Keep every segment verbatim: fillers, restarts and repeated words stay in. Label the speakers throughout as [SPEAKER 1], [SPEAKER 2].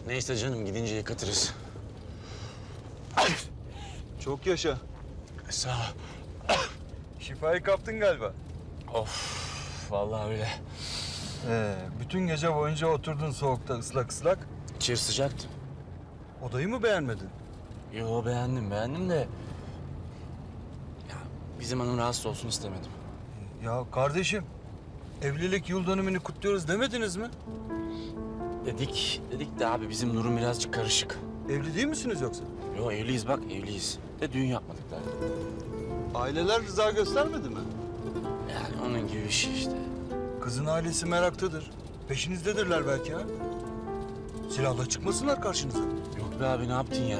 [SPEAKER 1] Neyse canım, gidince yıkatırız.
[SPEAKER 2] Çok yaşa.
[SPEAKER 1] Sağ ol.
[SPEAKER 2] Şifayı kaptın galiba.
[SPEAKER 1] Of, vallahi öyle.
[SPEAKER 2] Ee, bütün gece boyunca oturdun soğukta ıslak ıslak.
[SPEAKER 1] İçeri sıcaktı.
[SPEAKER 2] Odayı mı beğenmedin?
[SPEAKER 1] Yo, beğendim, beğendim de... Ya, bizim hanım rahatsız olsun istemedim.
[SPEAKER 2] Ya kardeşim, evlilik yıl dönümünü kutluyoruz demediniz mi?
[SPEAKER 1] Dedik, dedik de abi bizim durum birazcık karışık.
[SPEAKER 2] Evli değil misiniz yoksa?
[SPEAKER 1] Yo, evliyiz bak, evliyiz. De düğün yapmadık daha.
[SPEAKER 2] Aileler rıza göstermedi mi?
[SPEAKER 1] Yani onun gibi bir şey işte.
[SPEAKER 2] Kızın ailesi meraktadır. Peşinizdedirler belki ha. Silahla çıkmasınlar karşınıza.
[SPEAKER 1] Yok be abi, ne yaptın ya?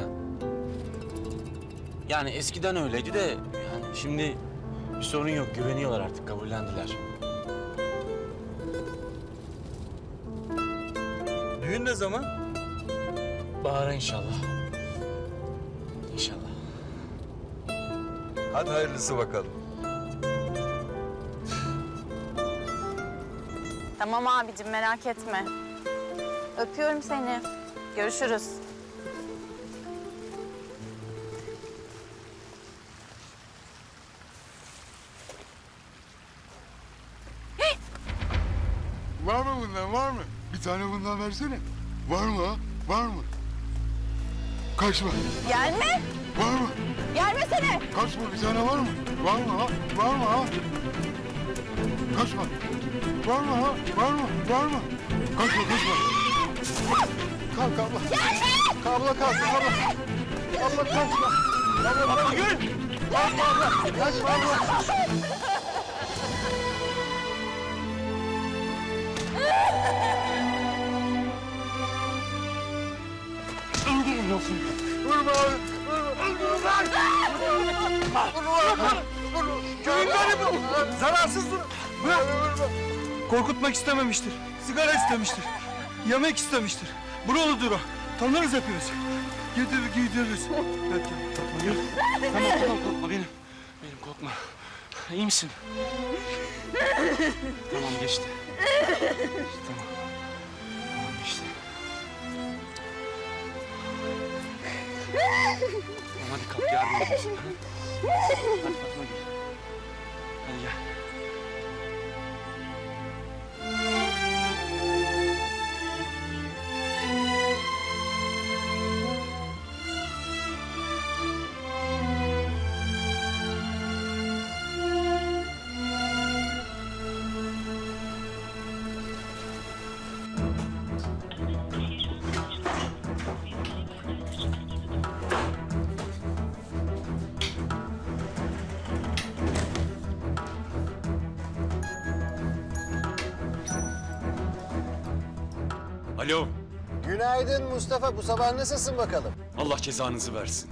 [SPEAKER 1] Yani eskiden öyleydi de yani şimdi bir sorun yok, güveniyorlar artık, kabullendiler.
[SPEAKER 2] Düğün ne zaman?
[SPEAKER 1] Bahara inşallah. İnşallah.
[SPEAKER 2] Hadi hayırlısı bakalım.
[SPEAKER 3] Tamam abicim, merak etme. Öpüyorum seni. Görüşürüz.
[SPEAKER 4] Var mı bundan, var mı? Bir tane bundan versene. Var mı ha? Var mı? Kaçma.
[SPEAKER 3] Gelme!
[SPEAKER 4] Var mı?
[SPEAKER 3] Gelmesene!
[SPEAKER 4] Kaçma, bir tane var mı? Var mı ha? Var mı ha? Kaçma. Var mı ha? Var mı? Var mı? Kaçma, kaçma. Kalk abla. Gelme! Abla kalk, abla. Abla kaçma. Abla, abla gül. Kaçma abla. Kaçma abla. Vurma abi. Vurma. Vurma. Vurma. Vurma. Köyün garibi bu.
[SPEAKER 2] Zararsız dur.
[SPEAKER 4] Vurma. Vurma.
[SPEAKER 2] Korkutmak istememiştir. Sigara istemiştir. Yemek istemiştir. Buralıdır o. Tanırız hepimiz. Gidip giydiriz. Evet,
[SPEAKER 1] Buyur. Tamam tamam, korkma benim. Benim korkma. İyi misin? Tamam, geçti. Tamam. Tamam, geçti. Tamam, hadi kalk, yardım edeyim sana. Hadi Fatma gel. Hadi gel.
[SPEAKER 5] Alo,
[SPEAKER 6] Günaydın Mustafa. Bu sabah nasılsın bakalım?
[SPEAKER 5] Allah cezanızı versin.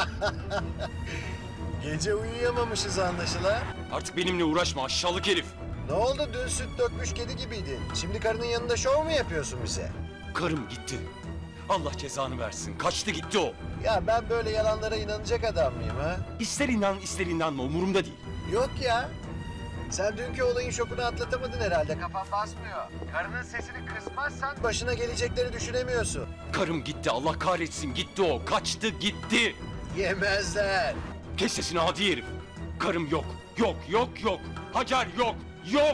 [SPEAKER 6] Gece uyuyamamışız anlaşılan.
[SPEAKER 5] Artık benimle uğraşma aşağılık herif.
[SPEAKER 6] Ne oldu? Dün süt dökmüş kedi gibiydin. Şimdi karının yanında şov mu yapıyorsun bize?
[SPEAKER 5] Karım gitti. Allah cezanı versin. Kaçtı gitti o.
[SPEAKER 6] Ya ben böyle yalanlara inanacak adam mıyım ha?
[SPEAKER 5] İster inan ister inanma umurumda değil.
[SPEAKER 6] Yok ya. Sen dünkü olayın şokunu atlatamadın herhalde. Kafan basmıyor. Karının sesini kısmazsan başına gelecekleri düşünemiyorsun.
[SPEAKER 5] Karım gitti Allah kahretsin gitti o. Kaçtı gitti.
[SPEAKER 6] Yemezler.
[SPEAKER 5] Kes sesini hadi herif. Karım yok. Yok yok yok. Hacer yok. Yok.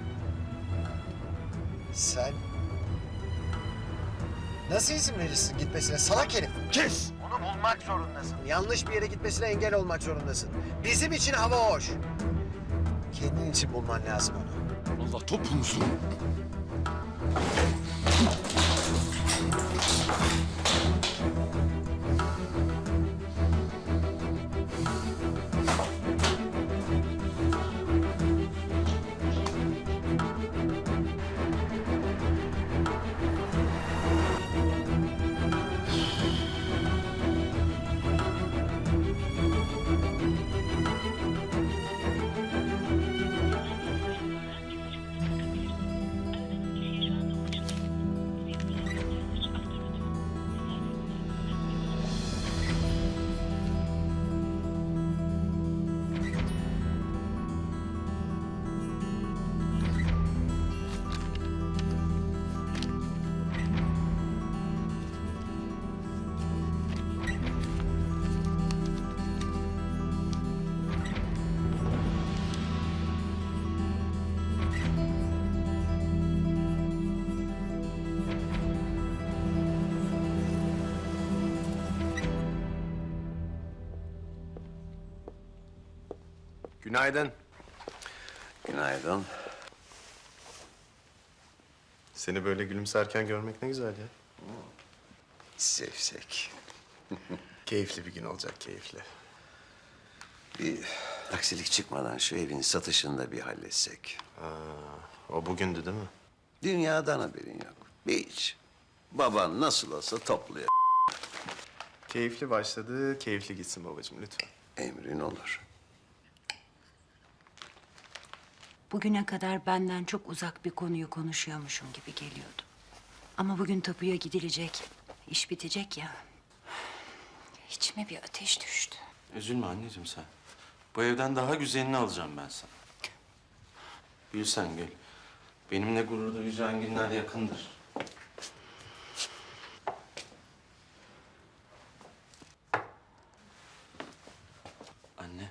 [SPEAKER 6] Sen nasıl izin verirsin gitmesine salak herif?
[SPEAKER 5] Kes.
[SPEAKER 6] Onu bulmak zorundasın. Yanlış bir yere gitmesine engel olmak zorundasın. Bizim için hava hoş. Kendin için bulman lazım onu.
[SPEAKER 5] Allah topunuzu.
[SPEAKER 7] Günaydın.
[SPEAKER 8] Günaydın.
[SPEAKER 7] Seni böyle gülümserken görmek ne güzel ya.
[SPEAKER 8] Zevzek.
[SPEAKER 7] Keyifli bir gün olacak, keyifli.
[SPEAKER 8] Bir aksilik çıkmadan şu evin satışını da bir halletsek.
[SPEAKER 7] O bugündü değil mi?
[SPEAKER 8] Dünyadan haberin yok. Hiç. Baban nasıl olsa topluyor.
[SPEAKER 7] Keyifli başladı, keyifli gitsin babacığım lütfen.
[SPEAKER 8] Emrin olur.
[SPEAKER 9] Bugüne kadar benden çok uzak bir konuyu konuşuyormuşum gibi geliyordu. Ama bugün tapuya gidilecek, iş bitecek ya. İçime bir ateş düştü.
[SPEAKER 1] Üzülme anneciğim sen. Bu evden daha güzelini alacağım ben sana. Gül sen gül. Benimle gurur duyacağın günler yakındır. Anne.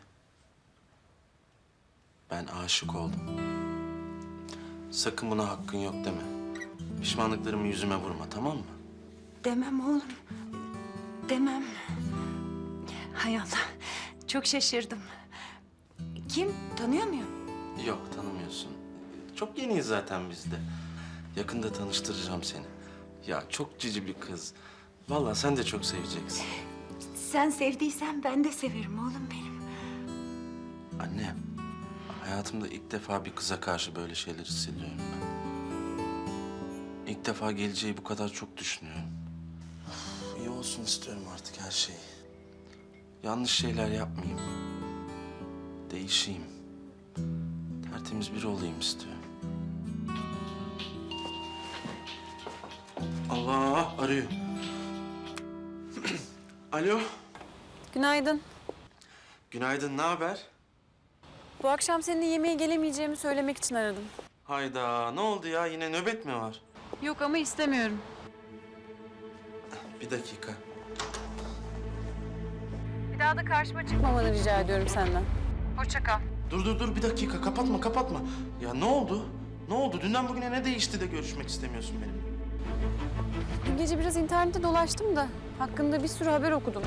[SPEAKER 1] Ben aşık oldum. Sakın buna hakkın yok deme. Pişmanlıklarımı yüzüme vurma, tamam mı?
[SPEAKER 9] Demem oğlum, demem. Hay Allah, çok şaşırdım. Kim, tanıyor muyum?
[SPEAKER 1] Yok, tanımıyorsun. Çok yeniyiz zaten biz de. Yakında tanıştıracağım seni. Ya çok cici bir kız. Vallahi sen de çok seveceksin.
[SPEAKER 9] Sen sevdiysen ben de severim oğlum benim.
[SPEAKER 1] Anne, hayatımda ilk defa bir kıza karşı böyle şeyler hissediyorum ben. İlk defa geleceği bu kadar çok düşünüyorum. Of, iyi olsun istiyorum artık her şey. Yanlış şeyler yapmayayım. Değişeyim. Tertemiz biri olayım istiyorum. Allah arıyor. Alo.
[SPEAKER 10] Günaydın.
[SPEAKER 1] Günaydın, ne haber?
[SPEAKER 10] Bu akşam seninle yemeğe gelemeyeceğimi söylemek için aradım.
[SPEAKER 1] Hayda, ne oldu ya? Yine nöbet mi var?
[SPEAKER 10] Yok ama istemiyorum.
[SPEAKER 1] Bir dakika.
[SPEAKER 10] Bir daha da karşıma çıkmamanı rica ediyorum senden. Hoşça kal.
[SPEAKER 1] Dur dur dur bir dakika kapatma kapatma. Ya ne oldu? Ne oldu? Dünden bugüne ne değişti de görüşmek istemiyorsun benimle?
[SPEAKER 10] Dün gece biraz internette dolaştım da hakkında bir sürü haber okudum.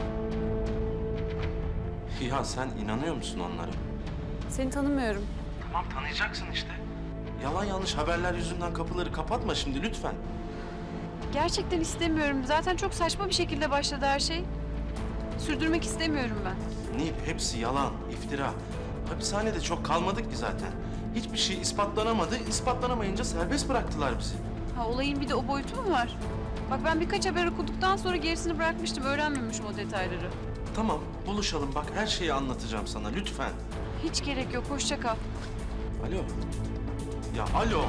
[SPEAKER 1] Ya sen inanıyor musun onlara?
[SPEAKER 10] Seni tanımıyorum.
[SPEAKER 1] Tamam tanıyacaksın işte. Yalan yanlış haberler yüzünden kapıları kapatma şimdi lütfen.
[SPEAKER 10] Gerçekten istemiyorum. Zaten çok saçma bir şekilde başladı her şey. Sürdürmek istemiyorum ben.
[SPEAKER 1] Nip hepsi yalan, iftira. Hapishanede çok kalmadık ki zaten. Hiçbir şey ispatlanamadı. İspatlanamayınca serbest bıraktılar bizi.
[SPEAKER 10] Ha, olayın bir de o boyutu mu var? Bak ben birkaç haber okuduktan sonra gerisini bırakmıştım. Öğrenmemişim o detayları.
[SPEAKER 1] Tamam buluşalım bak her şeyi anlatacağım sana lütfen.
[SPEAKER 10] Hiç gerek yok. Hoşça kal.
[SPEAKER 1] Alo. Ya alo.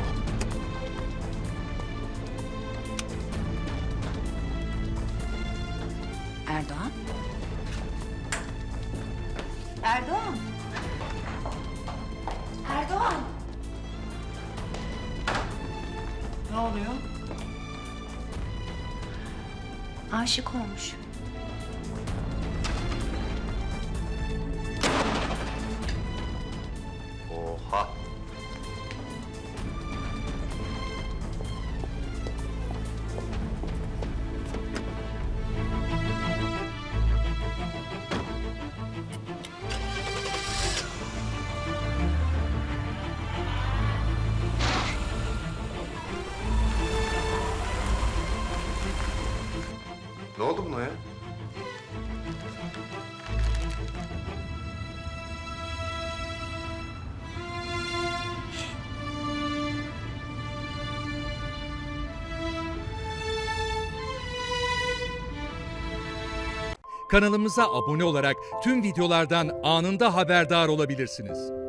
[SPEAKER 9] Erdoğan? Erdoğan! Erdoğan!
[SPEAKER 1] Ne oluyor?
[SPEAKER 9] Aşık olmuş.
[SPEAKER 7] Oha. Ne oldu buna ya?
[SPEAKER 11] Kanalımıza abone olarak tüm videolardan anında haberdar olabilirsiniz.